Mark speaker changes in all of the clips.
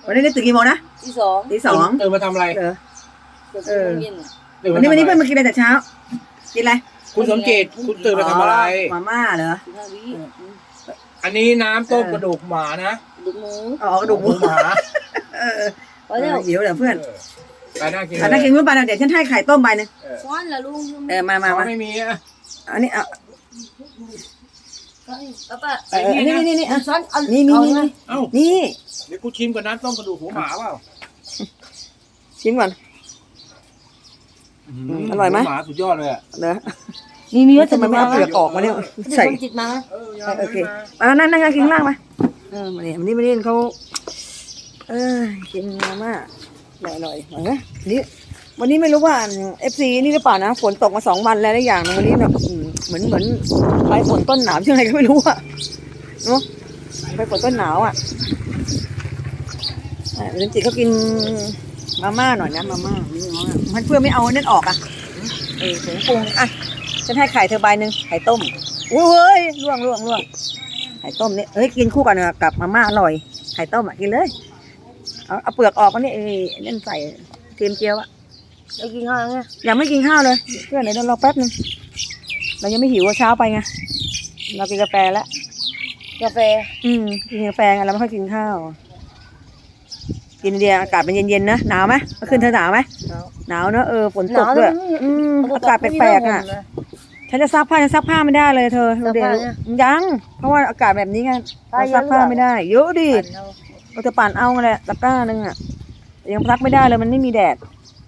Speaker 1: วันนี้ตื่นกี่โมงนะตีสอง
Speaker 2: ตื่นมาทำอะไร
Speaker 1: วันนี้เพื่อนมากินอะไรแต่เช้ากินอะไร
Speaker 2: คุณสมจิตคุณตื่นมาทำอะไร
Speaker 1: มาม่าเหรอ
Speaker 2: อันนี้น้ำต้มกระดูกหมานะ
Speaker 3: กระดูกหมู
Speaker 1: กระดูกหมู
Speaker 2: หมา
Speaker 1: หิวเดี๋ยวเพื่อน
Speaker 2: ไปน่ากิน
Speaker 1: น่ากินเมื่อปานเดี๋ยวฉันให้ไข่ต้มใบนึง
Speaker 3: ช้อนละลุง
Speaker 1: มา
Speaker 2: ไม่มีอ่ะ
Speaker 1: อันนี้เอานี่
Speaker 3: ช้อน
Speaker 1: นี่
Speaker 2: นี่เดี๋ยวกูชิมกับน้ำต้มกระดูกหมาเปล่า
Speaker 1: ชิมก่อนอร่อยไหม
Speaker 2: หมาสุดยอดเลยอ่ะ
Speaker 1: เนอะนี่ทำไมไม่เอาเปลือกออกมาเนี่ยใส่
Speaker 3: จิตมา
Speaker 1: โอเคนั่งกินข้างล่างมามาเนี่ยวันนี้เขากินมาม่าอร่อยนะนี่วันนี้ไม่รู้ว่า FC นี่หรือเปล่านะฝนตกมา2 วันแล้วได้อย่างวันนี้เนาะเหมือนไปฝนต้นหนาวยังไงก็ไม่รู้อะเนาะไปฝนต้นหนาวอะเรนจิเขากินมาม่าหน่อยนะมาม่ามันเพื่อไม่เอานั่นออกอ่ะผงปรุงอ่ะฉันให้ไข่เธอใบนึงไข่ต้มอุ้ยล่วงไข่ต้มนี่กินคู่กันกับมาม่าอร่อยไข่ต้มอ่ะกินเลยเอาเปลือกออกมาเนี่ยนั่นใส่เทียมเจียวอ่ะ
Speaker 3: ได้กินข้าวไง
Speaker 1: ยังไม่กินข้าวเลยเพื่อนเดี๋ยวรอแป๊บนึงเรายังไม่หิวเช้าไปไงเรากินกาแฟแล้ว
Speaker 3: กาแฟ
Speaker 1: กินกาแฟไงเราไม่ค่อยกินข้าวกินเดียอากาศเป็นเย็นๆนะหนาวไหมเมื่อคืนเธอหนาวไหมหนาวเนอะฝนตกด้วยอากาศแปลกๆอ่ะฉันจะซักผ้าไม่ได้เลยเธอเดี๋ยวยังเพราะว่าอากาศแบบนี้ไงซักผ้าไม่ได้เยอะดิเราจะปั่นเอาแหละตะกร้านึงอ่ะยังซักไม่ได้เลยมันไม่มีแดด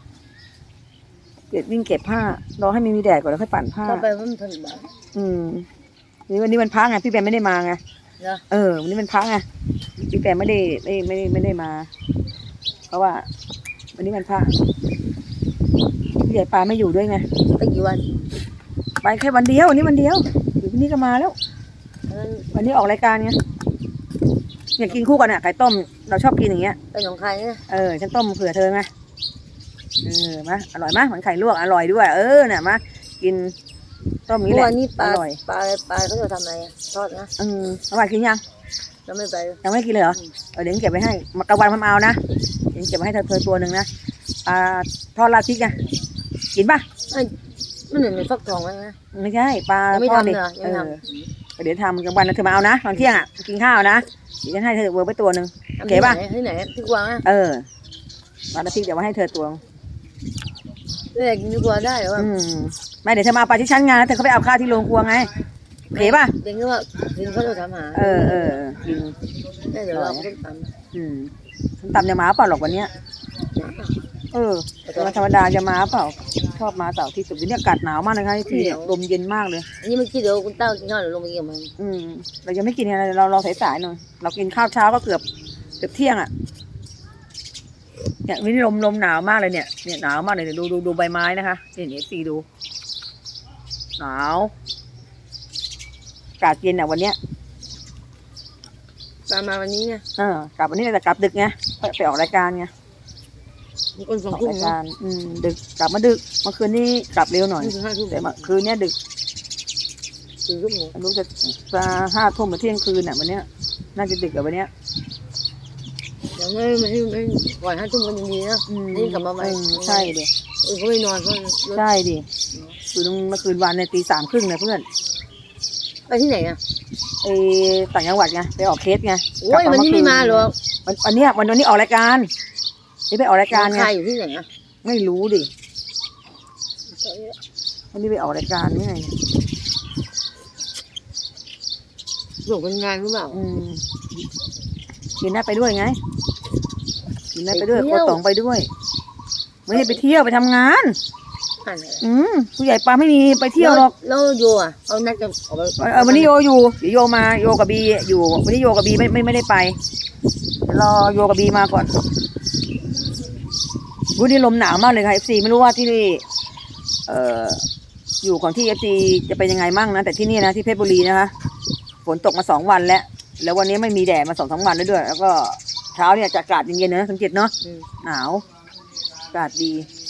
Speaker 1: วิ่งเก็บผ้ารอให้มีแดดก่อนแล้วค่อยปั่นผ้า
Speaker 3: ไปมันถึงแบบ
Speaker 1: วันนี้มันพักไงพี่แปมไม่ได้มาไงวันนี้มันพักไงพี่แปมไม่ได้มาเพราะว่าวันนี้มันพักพี่ใหญ่ปลาไม่อยู่ด้วยไง
Speaker 3: ไปกี่วัน
Speaker 1: ไปแค่วันเดียววันนี้วันเดียวอยู่ที่นี่ก็มาแล้ววันนี้ออกรายการไงอยากกินคู่กันอ่ะไข่ต้มเราชอบกินอย่างเงี้ย
Speaker 3: เป็นของใครเนี่ย
Speaker 1: ฉันต้มเผื่อเธอไงมาอร่อยมากเหมือนไข่ลวกอร่อยด้วยเนี่ยมากินต้มนี้แหละ
Speaker 3: อร่อยปลาเขาจะทำอะไรทอดนะ
Speaker 1: อร่อยกิน
Speaker 3: ยังไม่ไป
Speaker 1: ยังไม่กินเลยเหรอเดี๋ยวเก็บไว้ให้มากระวันเอานะเดี๋ยวเก็บไว้ให้เธอตัวหนึ่งนะทอดราดพริกไงกินป่ะ
Speaker 3: ไม่เหมือนฟักทองไหม
Speaker 1: ไม่ใช่ปลาทอดดิเดี๋ยวทำกลางวันเธอมาเอานะตอนเที่ยงกินข้าวนะเดี๋ยวฉันให้เธอเวอร์ไปตัวหนึ่งโอเคป่ะ
Speaker 3: ที่ไหนที่กวาง
Speaker 1: ปลาราดพริกเดี๋ยวไว้ให้เธอตัว
Speaker 3: กินที่กวางได้หรือว่า
Speaker 1: ไม่เดี๋ยวเธอมาปลาที่ชั้นงานแล้วเธอเขาไปเอาข้าวที่โรงครัวไงโอเคป่ะ
Speaker 3: เด็กก็ว่ากินเขาจะทำหา
Speaker 1: กิน
Speaker 3: เดี๋ยวเราต้มต
Speaker 1: ำตำจะมาเปล่าหรอกวันเนี้ยธรรมดาจะมาเปล่าชอบมาเสาร์ที่สุดวันนี้อากาศหนาวมากนะคะที่ลมเย็นมากเลย
Speaker 3: อันนี้เมื่อกี้เดี๋ยวคุณเต้ากินข้าวหรือลงไปกินมัน
Speaker 1: เรายังไม่กินอะไรเราสายๆหน่อยเรากินข้าวเช้าก็เกือบเที่ยงอ่ะเนี่ยวันนี้ลมหนาวมากเลยเนี่ยหนาวมากเลยดูใบไม้นะคะนี่สีดูหนาวอากาศเย็นอ่ะวันเนี้ย
Speaker 3: ตามมาวันนี้ไง
Speaker 1: กลับวันนี้แต่กลับดึกไงไปออกรายการไง
Speaker 3: มีคนส่งราย
Speaker 1: การดึกกลับมาดึกเมื่อคืนนี้กลับเร็วหน่อยแต่เมื่อคืนนี้ดึกรู้จะ5 ทุ่มหรือเที่ยงคืนอ่ะวันเนี้ยน่าจะดึกกว่าวันเนี้ย
Speaker 3: ยังไม่ก่อน5 ทุ่มกันดีนะนี่กลับมาใหม่
Speaker 1: ใช่ดิ
Speaker 3: เขาไม่นอน
Speaker 1: ใช่ดิคือเมื่อคืนวันในตี 3 ครึ่งเลยเพื่อน
Speaker 3: ไปที่ไหนอ่ะ
Speaker 1: ต่างจังหวัดไงไปออกเคสไง
Speaker 3: โอ้ยวันนี้ไม่มาหรอก
Speaker 1: วันนี้ออกรายการนี่ไปออกรายการไง
Speaker 3: ใครอยู่ที่ไหนอ่ะ
Speaker 1: ไม่รู้ดิวันนี้ไปออกรายการนี่ไง
Speaker 3: ส่งเป็นงานหรือเปล่า
Speaker 1: กินได้ไปด้วยไงกินได้ไปด้วยโคตองไปด้วยไม่ได้ไปเที่ยวไปทำงานผู้ใหญ่ปลาไม่มีไปเที่ยวหรอก
Speaker 3: แล้วโยอ่ะเอานัดจะ
Speaker 1: วันนี้โยอยู่โยมาโยกับบีอยู่วันนี้โยกับบีไม่ได้ไปรอโยกับบีมาก่อนวันนี้ลมหนาวมากเลยค่ะ FC ไม่รู้ว่าที่นี่อยู่ของที่ FC จะเป็นยังไงมั่งนะแต่ที่นี่นะที่เพชรบุรีนะคะฝนตกมา2 วันแล้ววันนี้ไม่มีแดดมา2-3 วันแล้วด้วยแล้วก็เช้าเนี่ยจะอากาศเย็นๆนะสังเกตเนาะหนาวอากาศดี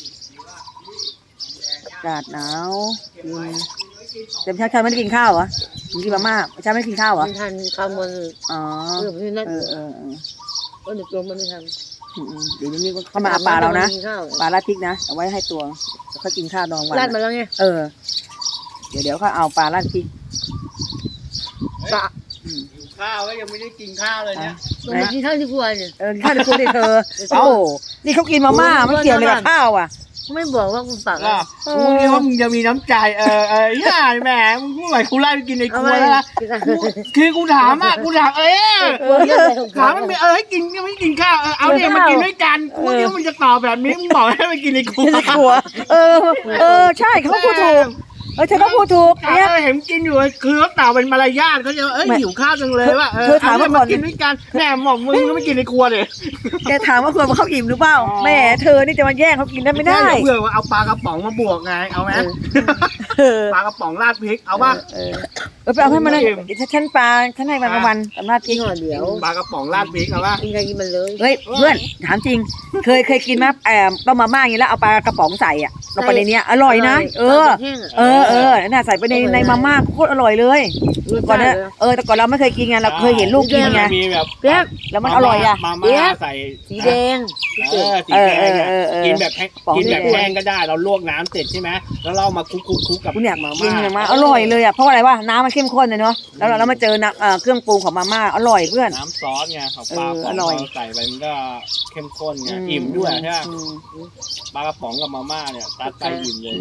Speaker 1: อากาศหนาวแต่เช้าไม่ได้กินข้าวเหรอกินมาม่าเช้าไม่ได้กินข้าวเหรอ
Speaker 3: ทานข้าวมัน
Speaker 1: อ๋อ
Speaker 3: ก็เด็กตัวมันไม่ท
Speaker 1: เดี๋ยวนี้
Speaker 3: ำ
Speaker 1: เขามาเอาปลาเรานะ
Speaker 3: กิข้าว
Speaker 1: ปลาราดพริกนะเอาไว้ให้ตัวแล้วเขากินข้าวดองวัน
Speaker 3: ราดมาแล้วไง
Speaker 1: เดี๋ยวเขาเอาปลาราดพริก
Speaker 3: ปลา
Speaker 2: หิวข้าวแล้วยังไม่ได้กินข้าวเลยเนี่ย
Speaker 3: มันกินข้าวที่ครัวเนี่ย
Speaker 1: ข้าวในครัวดิเธอเอ้านี่เขากินมาม่าไม่เกี่ยวเลยกับข้าวอ่ะ
Speaker 3: ไม่บอกว่ากูฝาก
Speaker 2: ก็กูคิดว่ามึงจะมีน้ำใจย่าแหมมึงพูดอะไรกูไล่ไปกินในครัวแล้วนะคือกูถามถามมันมีให้กินยังไม่กินข้าวเอาเนี่ยมากินด้วยกันกูคิดว่ามึงจะตอบแบบนี้มึงบอกให้ไปกินในครัว
Speaker 1: ในครัวใช่เขาพูดถูกเธอก็พูดถูกเนี่ย
Speaker 2: เห็นกินอยู่คือเขาตอบเป็นมารยาทเขาจะหิวข้าวจังเลยว่า
Speaker 1: เธอถามว่าก่อน
Speaker 2: กินด้วยกันแหมบอกมึงก็ไม่กินในครัวเลย
Speaker 1: แกถามว่าควรมาเขาอิ่มหรือเปล่าแม่เธอนี่จะมาแย่งเขากินได้ไม่ได้
Speaker 2: เพื่อว่าเอาปลากระป๋องมาบวกไงเอาไหมปลากระป๋องราดพริกเอาป่ะ
Speaker 1: ไปเอาให้มันเลยฉันปลาฉันให้มันประมาณสำนักพริ
Speaker 3: กิ
Speaker 1: ก
Speaker 3: นห่อเดียว
Speaker 2: ปลากระป๋องราดพริกเอาป่ะ
Speaker 3: กินใครกินมันเลย
Speaker 1: เฮ้ยเพื่อนถามจริงเคยกินไหมต้มมาม่าอย่างนี้แล้วเอาปลากระป๋องใส่อ่ะลงไปในนี้อร่อยนะน่าใส่ไปในมาม่าโคตรอร่อยเลยก่อนนะแต่ก่อนเราไม่เคยกินไงเราเคยเห็นลูกกินไง
Speaker 2: มีแบบ
Speaker 3: เปี๊ยก
Speaker 1: แล้วมันอร่อยอ่ะ
Speaker 2: มาม่าใส่
Speaker 3: สีแดง
Speaker 2: สีแดงกินแบบแห้งก็ได้เราลวกน้ำเสร็จใช่ไหมแล้วเรามาคลุกกับ
Speaker 1: คุณเนี่ยกินมาอร่อยเลยอ่ะเพราะอะไรวะน้ำมันเข้มข้นเลยเนาะแล้วเรามาเจอเครื่องปรุงของมาม่าอร่อยเพื่อน
Speaker 2: น้ำซอสไงของปลาใส่ไปมันก็เข้มข้นไงอิ่มด้วยใช่ไหมปลากระป๋องกับมาม่าเนี่ยตัดไปอิ่มเลย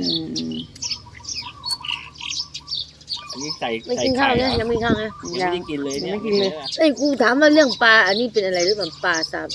Speaker 2: อันนี้ใส่
Speaker 3: ไม่กินข้าวเนี่ยยังไม่กินข้าวนะ
Speaker 2: ยังไม่ได้กินเลยเนี่ย
Speaker 3: ไอ้กูถามว่าเรื่องปลาอันนี้เป็นอะไรหรือเปล่าปลาสับ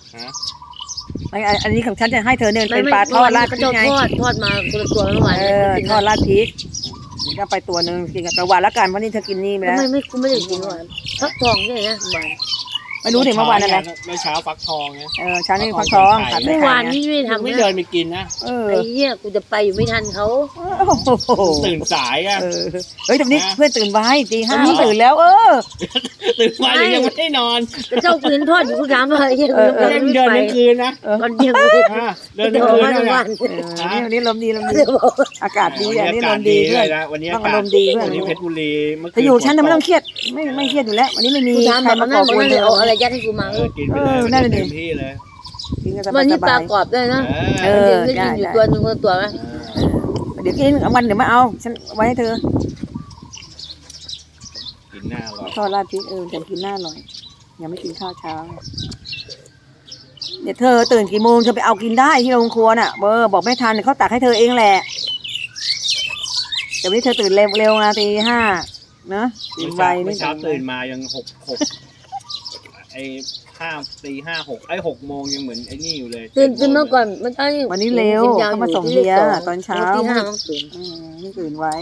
Speaker 1: อันนี้ของฉันจะให้เธอเนี่ยเป็นปลาทอดราดพริกไง
Speaker 3: ทอดมาคนละตัวเมื่อวาน
Speaker 1: ทอดราดพริกนี่ก็ไปตัวนึงกินกับกระวานละกันเพราะนี่เธอกินนี่ไปแล้ว
Speaker 3: ไม่กูไม่ได้กินเมื่อวานฟักทองเนี่ยนะหวาน
Speaker 1: ไม่รู้ถึงเมื่อวานอะไร
Speaker 2: เมื่อเช้าฟักทองไง
Speaker 1: เช้านี่ฟักทองผัด
Speaker 3: เมื่อวานนี้ไม่ทำ
Speaker 2: ไม่เดินไปกินนะ
Speaker 3: ไอ้เหี้ยกูจะไปอยู่ไม่ทันเขา
Speaker 2: ตื่นสายอ่ะ
Speaker 1: เฮ้ยตรงนี้เพื่อนตื่นไว้ตี 5ตื่นแล้ว
Speaker 2: ตื่นมายังไม่ได้นอน
Speaker 3: แต่เจ้าปืนทอดอยู่กูถามว่าไอ้เหี้ยกู
Speaker 2: เดินทั้งคืนนะ
Speaker 3: ตอนเที่ยงเลย
Speaker 2: เดินทั้งคืน
Speaker 3: ทั้งวัน
Speaker 1: วันนี้ลมดีอากาศดีอันนี้ลมดีเพื่อน
Speaker 2: วันนี้
Speaker 1: ต้องอารมณ์ดีเพื่อน
Speaker 2: วันนี้เพชรบุรี
Speaker 1: ถ้าอยู่ฉันไม่ต้องเครียดไม่เครียดอยู่แล้ววันนี้ไม่มี
Speaker 3: กูถาม
Speaker 1: ใคร
Speaker 3: มั
Speaker 1: มาน ก่
Speaker 3: นั่
Speaker 1: อน กวน
Speaker 3: เลยเอาอะไรยัดให้กูมา
Speaker 2: กินไปเลยเต็มที่เลย
Speaker 3: วันนี้ปลากรอบด้วยนะได้กินอยู่ตัวนึงคนตัวไหม
Speaker 1: เดี๋ยวกินวันเดี๋ยวมาเอาฉันไว้ให้เธอ
Speaker 2: กินหน้าอร่อย
Speaker 1: ทอดราดพริกแต่กินหน้าอร่อยยังไม่กินข้าวเช้าเดี๋ยวเธอตื่นกี่โมงเธอไปเอากินได้ที่โรงครัวน่ะบอกไม่ทันเขาตักให้เธอเองแหละแต่วันนี้เธอตื่นเร็วนะตี 5นะตื่นไว
Speaker 2: เมื่
Speaker 1: นี่
Speaker 2: อเช้าตื่นมายัง6ไอ้ตี 5 6ไอ้6โมงยังเหมือนไอ้นี่อยู่เลย
Speaker 3: ตื่นเมื่อก่อนมันตั้ง
Speaker 1: วันนี้เร็วเขามาส่งเบียร์ตอนเช้า
Speaker 3: ตี 5ต้องตื่น
Speaker 1: นี่ตื่นไว้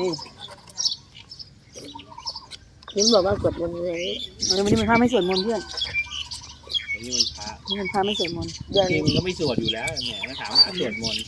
Speaker 3: ยิ้มบอกว่ากดวันนี้
Speaker 1: วันนี้มันพาไม่สวดมนต์เพื่อน
Speaker 2: วันนี้มันพระ
Speaker 1: นี่มันพาไม่สวดมนต์
Speaker 3: เดือน
Speaker 2: จริงมึงก็ไม่สวดอยู่แล้วแหมมาถามหาสวดมนต์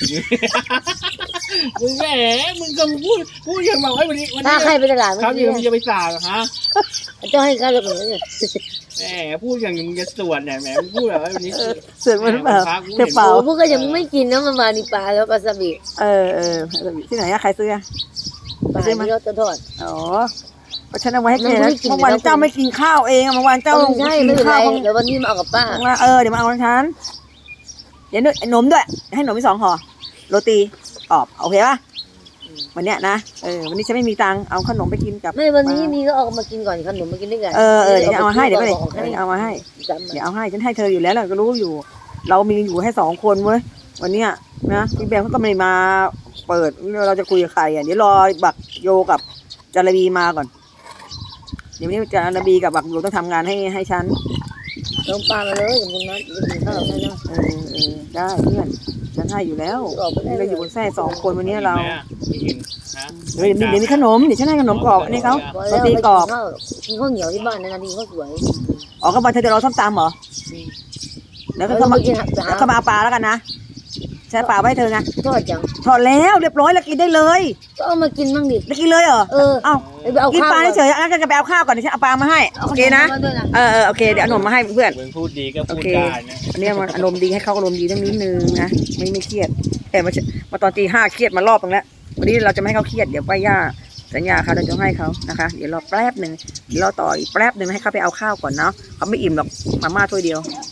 Speaker 2: มึงแหมมึงก็พูดยังบอกว่าวันนี้
Speaker 3: ถ้าใครไปตลาด
Speaker 2: ครับยังมึงจะไปสาฮะ
Speaker 3: เจ้าให้ค่าระเบิดเนี่ย
Speaker 2: แหมพูดอย่างมึงจะสวดเนี่ยแหมมึงพูดแบบว่าวันนี้
Speaker 1: สวดมนต์เปล่าเธอเปล่า
Speaker 3: โอ้พวกก็ยังไม่กินนะมันมานี่ปลาแล้วปลาสบิ
Speaker 1: ที่ไหนใครซื้อ
Speaker 3: ปลาที่เราจะทอด
Speaker 1: อ๋อเพราะฉันเอาไว้ให้แกนะเมื่อวันเจ้าไม่กินข้าวเองเมื่อวานเจ้า
Speaker 3: ใช่ไม่เป็นไรเดี๋ยววันนี้มาเอากับป้า
Speaker 1: เดี๋ยวมาเอาของฉันเดี๋ยวหนมด้วยให้หนมไป2 ห่อโรตีกรอบโอเคป่ะวันเนี้ยนะวันนี้ฉันไม่มีตังค์เอาขนมไปกินกับ
Speaker 3: ไม่วันนี้มีก็เอามากินก่อนขนมมากินด้วยกัน
Speaker 1: เดี๋ยวเอามาให้เดี๋ยวเอามาให้เดี๋ยวเอาให้ฉันให้เธออยู่แล้วเราก็รู้อยู่ เรามีอยู่ให้2 คนเว้ยวันเนี้ยนะพี่แบงเขาก็ไม่มาเปิดเราจะคุยกับใครเดี๋ยวรอบักโยกับจารบีมาก่อนเดี๋ยวนี้จารบีกับบักโยต้องทำงานให้ฉัน
Speaker 3: น้องปลามาเลยกับคุณนัทกินข้าวได้นะ
Speaker 1: ได้เพื่อนฉันให้อยู่แล้วเราอยู่บนแท่2 คนวันนี้เราเดี๋ยวมีขนมเดี๋ยวฉันให้ขนมกรอบอันนี้เขาโรตีกรอบ
Speaker 3: กินข้าวเหนียวที่บ้านนะดีข้าวสวย
Speaker 1: อ๋อก็มาเธอจะรอส้มตำเหรอแล้วก็มาเอาปลาแล้วกันนะใช้ปลาไว้เธอไง
Speaker 3: ทอดจัง
Speaker 1: ทอดแล้วเรียบร้อยแล้วกินได้เลย
Speaker 3: ก็เอามากินบ้างดิ
Speaker 1: ได้กินเลยเหรอ
Speaker 3: เอ้าไปเอา
Speaker 1: กิน
Speaker 3: ข้าว
Speaker 1: ปลาเฉยๆงั้นก็ไปเอาข้าวก่อนเดี๋ยวฉันเอาปลามาให้โอเคนะโอเคเดี๋ยวเอาขนมมาให้เพื่อน
Speaker 2: มึงพูดดีก็พูดได้นะ
Speaker 1: วันนี้มันอารมณ์ดีให้เขาอารมณ์ดีตั้งนิดนึงนะไม่เครียดแต่มาตอนตี 5เครียดมารอบนึงแล้ววันนี้เราจะไม่ให้เขาเครียดเดี๋ยวป้าย่าสัญญาเขาเราจะให้เขานะคะเดี๋ยวรอแป๊บนึงเดี๋ยวรอต่ออีกแป๊บนึงให้เขาไปเอาข้าวก่อนเนาะเขาไม่อิ่มหรอกมาม่าถ้วยเดียว